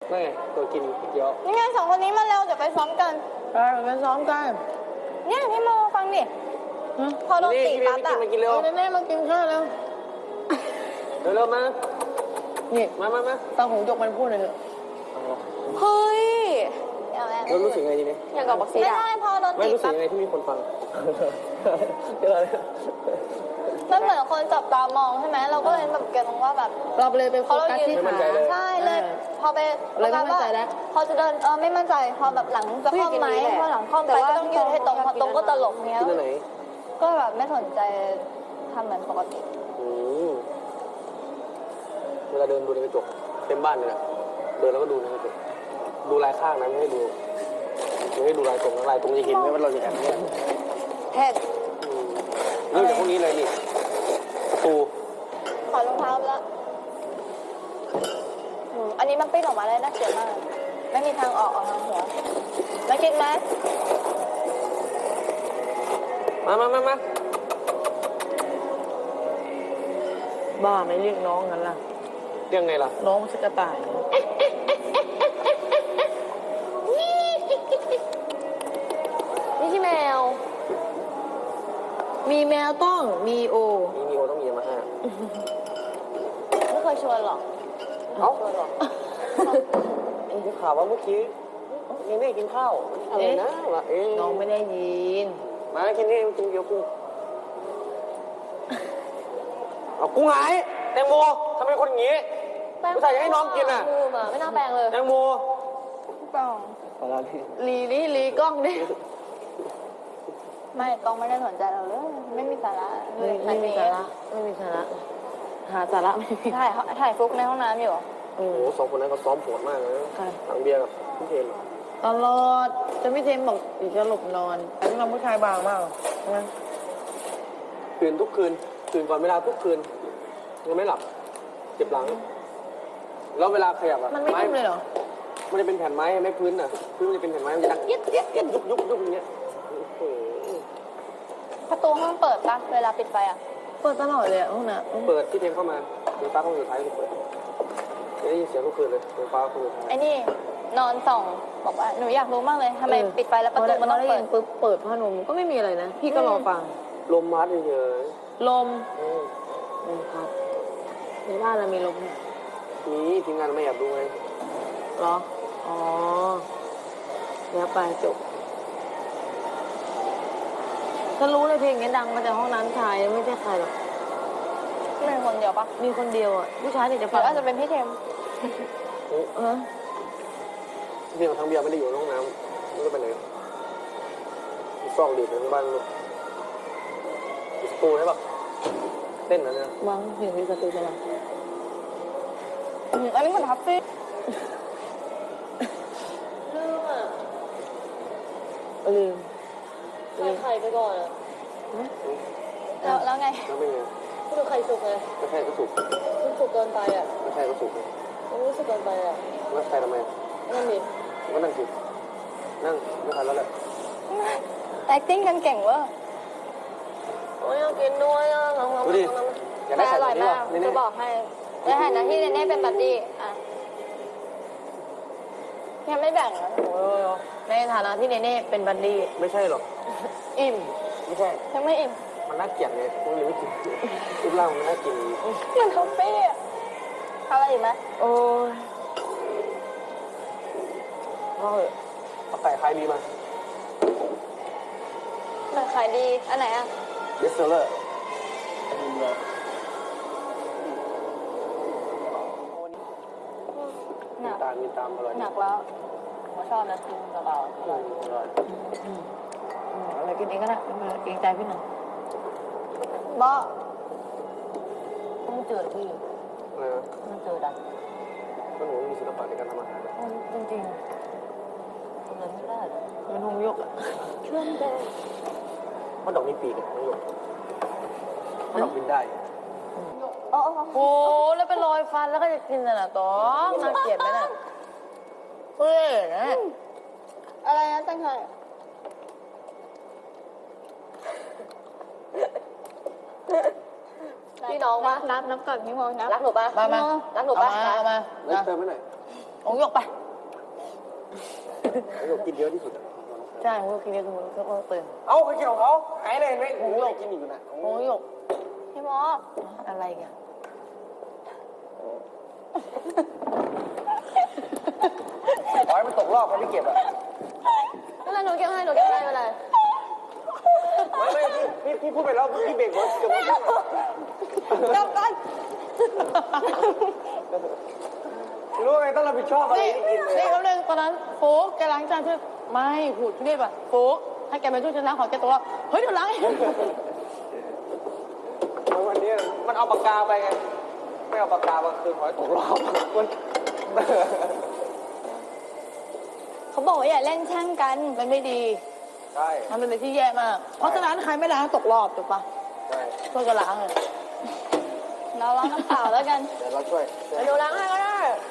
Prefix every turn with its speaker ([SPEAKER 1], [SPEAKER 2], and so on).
[SPEAKER 1] ไม่ตัวกินเยอะ
[SPEAKER 2] นี่ไง2 คนนี้มาเร็วเดี๋ยวไปซ้อมกัน
[SPEAKER 3] ไปซ้อมกัน
[SPEAKER 2] เนี่ยพี่โมฟังดิพอโดนตีปั๊บอะ
[SPEAKER 1] มากินเร็ว
[SPEAKER 3] แม่มากินข้าวแล้ว
[SPEAKER 1] เร็วมา
[SPEAKER 3] นี่
[SPEAKER 1] มา
[SPEAKER 3] ฟังของจกมันพูดเลยเถอะ
[SPEAKER 2] เฮ้ย
[SPEAKER 1] เรารู้สึกไงทีนี้
[SPEAKER 2] อย่างกับบอกซีไม่ได้พอโดนตีปั๊บ
[SPEAKER 1] ไม่รู้สึกยังไงที่มีคนฟัง
[SPEAKER 2] มันเหมือนคนจับตามองใช่ไหมเราก็เลยแบบเกิดตรงว่าแบบ
[SPEAKER 3] เราเลยไปโฟกัสที่ขา
[SPEAKER 2] ใช่เลยพอไป
[SPEAKER 3] เลยไม่มั่นใจแล้ว
[SPEAKER 2] พอจะเดินไม่มั่นใจพอแบบหลังจะคล่อมไหมพอหลังคล่อมไปก็ต้องยืนให้ตรงพอตรงก็ตลกเนี้ยก็แบบไม่สนใจทำเหมือนปกติ
[SPEAKER 1] เวลาเดินดูในกระจกเต็มบ้านเลยนะเดินแล้วก็ดูในกระจกดูลายข้างนะไม่ให้ดูลายตรงจะเห็นไหมว่าเราจะแอบเนี่ย
[SPEAKER 2] เท็ด
[SPEAKER 1] เรื่องจากพวกนี้เลยนี่ประตู
[SPEAKER 2] ขอรองเท้าแล้วอันนี้มันปิ้นออกมาเลยน่าเกลียดมากไม่มีทางออกทางหัวมากินไหม
[SPEAKER 1] มา
[SPEAKER 3] บ้าไม่เรียกน้องงั้นล่ะ
[SPEAKER 1] เรียกไงล่ะ
[SPEAKER 3] น้องมันจะกระต่าย
[SPEAKER 2] นี่ที่แมว
[SPEAKER 3] มีแมวต้องมีโอ
[SPEAKER 1] ต้องมีมาห้า
[SPEAKER 2] ไม่เคยชวนหรอก
[SPEAKER 1] ชวนหรอกได้ข่าวว่าเมื่อกี้ยังไม่กินข้าวอะไรนะวะ
[SPEAKER 3] น้องไม่ได้ยิน
[SPEAKER 1] มากินนี่กินเกี๊ยวกุ้งเอากุ้งหายแตงโมทำไมคนอย่างนี้ไม่ใส่ให้น้องกินอ่ะ
[SPEAKER 2] ไม่น่าแปลงเลย
[SPEAKER 1] แตงโม
[SPEAKER 2] กล้อง
[SPEAKER 3] ลีกล้องดิ
[SPEAKER 2] ไม่กล้องไม่ได้สนใจเราเลยไม่มีสาระ
[SPEAKER 3] ไม่มีสาระหาสาระไม่มี
[SPEAKER 2] ถ่ายฟุกในห้องน้ำอยู่
[SPEAKER 1] โอ้โห2 คนนั้นเขาซ้อมโหดมากเลยหลังเบียร์กับพี่เทม
[SPEAKER 3] ตลอดจะพี่เทมบอกอีกจะหลบนอนแต่ที่เราผู้ชายบางมากนะ
[SPEAKER 1] ตื่นทุกคืนตื่นก่อนเวลาทุกคืนยังไม่หลับเจ็บหลังแล้วเวลาขยับ
[SPEAKER 3] มันไม่นุ่มเลยเหรอ
[SPEAKER 1] มันจะเป็นแผ่นไม้ไม่พื้นอ่ะพื้นมันจะเป็นแผ่นไม้มันจะดังเย็ดยุบอย่างเงี้ย
[SPEAKER 2] ประตูห้องเปิดปะเวลาปิดไฟอ่ะ
[SPEAKER 3] เปิดตลอดเลยห้องน้
[SPEAKER 1] ำเปิดที่เทมเข้ามาไฟฟ้าห้องสุดท้ายที่เปิดได้ยินเสียงทุกคืนเลยไฟฟ้าห้องสุดท้าย
[SPEAKER 2] ไอ้นี่นอนส่องบอกว่าหนูอยากรู้มากเลยทำไมปิดไฟแล้วประตูมันต้องเปิด
[SPEAKER 3] ปุ๊บเปิดผ้าห่มก็ไม่มีอะไรนะพี่ก็รอฟัง
[SPEAKER 1] ลมพัดเฉย
[SPEAKER 3] ลมพัดในบ้านเรามีลมเนี่ย
[SPEAKER 1] มีทีมงานไม่อยากดูไง
[SPEAKER 3] เหรออ๋อแล้วไปจบฉันรู้เลยเพลงนี้ดังมาจากห้องน้ำชายไม่ใช่ใครหรอก
[SPEAKER 2] มีคนเดียวปะ
[SPEAKER 3] มีคนเดียวอ่ะผู้ชายเนี่ยจะ
[SPEAKER 2] ฟังอาจจะเป็นพี่เทม
[SPEAKER 1] เบียร์ทั้งเบียร์ไม่ได้อยู่ในห้องน้ำไม่ได้ไปไหนซอกดีในบ้านลูกสตูใช่ปะเต้นนะเนี่ย
[SPEAKER 3] วังเห็นมีสตูใช่ปะ
[SPEAKER 2] อันนี้มันทับซี่
[SPEAKER 3] ลืม
[SPEAKER 2] ไข่ไปก่อนแล้วไง
[SPEAKER 1] แล้วเป็นไง
[SPEAKER 2] คือไข่สุกเลย
[SPEAKER 1] ไม่ใช่ก็สุก
[SPEAKER 2] มันสุกเกินไปอ่ะ
[SPEAKER 1] ไม่ใช่ก็สุก
[SPEAKER 2] มันรู้สึกเกินไปอ่ะ
[SPEAKER 1] แล้วใครทำไม
[SPEAKER 2] นั่นดิ
[SPEAKER 1] ก็นั่งสินั่งไม่ทันแล้วแหละ
[SPEAKER 2] acting กันเก่งเว้ยโอ้ยกินด้วยอ่ะ
[SPEAKER 1] ดูดิอยากได้ไข่อร่อยมาก
[SPEAKER 2] จะบอกให้ในฐานะที่เนเน่เป็นบัดดี้อ่ะยังไม่แบ่งนะ
[SPEAKER 3] ในฐานะที่เนเน่เป็นบัดดี้
[SPEAKER 1] ไม่ใช่หรอก
[SPEAKER 3] อิ่ม
[SPEAKER 1] ไม่ใช่
[SPEAKER 2] ยังไม่อิ่ม
[SPEAKER 1] มันน่าเกลียดไงพวกนี้ไม่กินรูปร่างมันน่ากิน
[SPEAKER 2] มันคาเฟ่อะไรอีกไหม
[SPEAKER 3] โอ้ย
[SPEAKER 1] เอาไก่ขายดีมา
[SPEAKER 2] ขายดีอันไหนอ่ะ
[SPEAKER 1] เบสเซอร์มีตามอร่อย
[SPEAKER 2] หนักแล้วผมชอบนะกินกระเป๋าอร่อย
[SPEAKER 3] อะไรกินเองก็ได้เกรงใจพี่หนึ่ง
[SPEAKER 2] บ้า
[SPEAKER 3] ต้องเจอพี่
[SPEAKER 1] อะไรนะ
[SPEAKER 3] ต้องเจอดัน
[SPEAKER 1] ก็หนูมีศิลปะในการทำอาหาร
[SPEAKER 3] จริงๆทำอะไรไม่ได้มันหงยกอ่ะ
[SPEAKER 2] เครื่องแดง
[SPEAKER 1] เพราะดอกมีปีกหงยกเพราะดอกบินได้
[SPEAKER 3] โอ้แล้วเป็นรอยฟันแล้วก็จะกินน่ะต้องน่าเกลียดไหมน่ะเฮ้ยนะ
[SPEAKER 2] อะไรนะตั้งใจพี่น้องวะรักน้ำก่อนพี่มองนะรักหนูปะ
[SPEAKER 3] มา
[SPEAKER 2] รักหนูปะ
[SPEAKER 3] มา
[SPEAKER 1] เติมไปหน่อย
[SPEAKER 3] โอ้ของหยกไป
[SPEAKER 1] หยกกินเยอะที่สุด
[SPEAKER 3] ใช่ของหยกกินเยอะคือมันก็ตื่น
[SPEAKER 1] เอ้าเคยกินของเขาหายเลยไหมผมหยกกินอยู่นะ
[SPEAKER 3] ของหยก
[SPEAKER 2] พี่โม
[SPEAKER 3] อะไรกัน
[SPEAKER 1] ขอให้มันตกรอบครับพี่เก็บอ่ะ
[SPEAKER 2] ไม่เป็นไรหนูเก็บให้หนูเก็บให้ไม่เป็นไร
[SPEAKER 1] ไม่พี่พูดไปแล้วพี่เบรกไว้เกือบไม่ได้
[SPEAKER 2] กลับกัน
[SPEAKER 1] รู้ไงต้องรับผิดชอบอะไร
[SPEAKER 3] นี่
[SPEAKER 1] ที่กินเลย
[SPEAKER 3] นี่เขาเรื่องตอนนั้นโฟกแกล้างจานช่วยไม่หูดพี่ป่ะโฟกให้แกไปช่วยฉันล้างของแกตัวเฮ้ยเดี๋ยวล้างเอง
[SPEAKER 1] วันนี้มันเอาปากกาไปไงไม่เอาปากกามาคืนขอให้ตกรอบมัน
[SPEAKER 2] เขาบอกว่าอย่าเล่นแช่งกัน
[SPEAKER 3] มันไม่ดี
[SPEAKER 1] ใช่
[SPEAKER 3] มันเป็นอะไรที่แย่มาก เพราะฉะนั้นใครไม่ล้างตกรอบถูกปะ
[SPEAKER 1] ใช่
[SPEAKER 3] ช่วยกันล้างเลย
[SPEAKER 2] เราล้างน้ำเปล่าแล้วกัน
[SPEAKER 1] เดี๋ยวเราช่วย
[SPEAKER 3] เดี๋ยวล้างให้ก็ได้
[SPEAKER 1] เ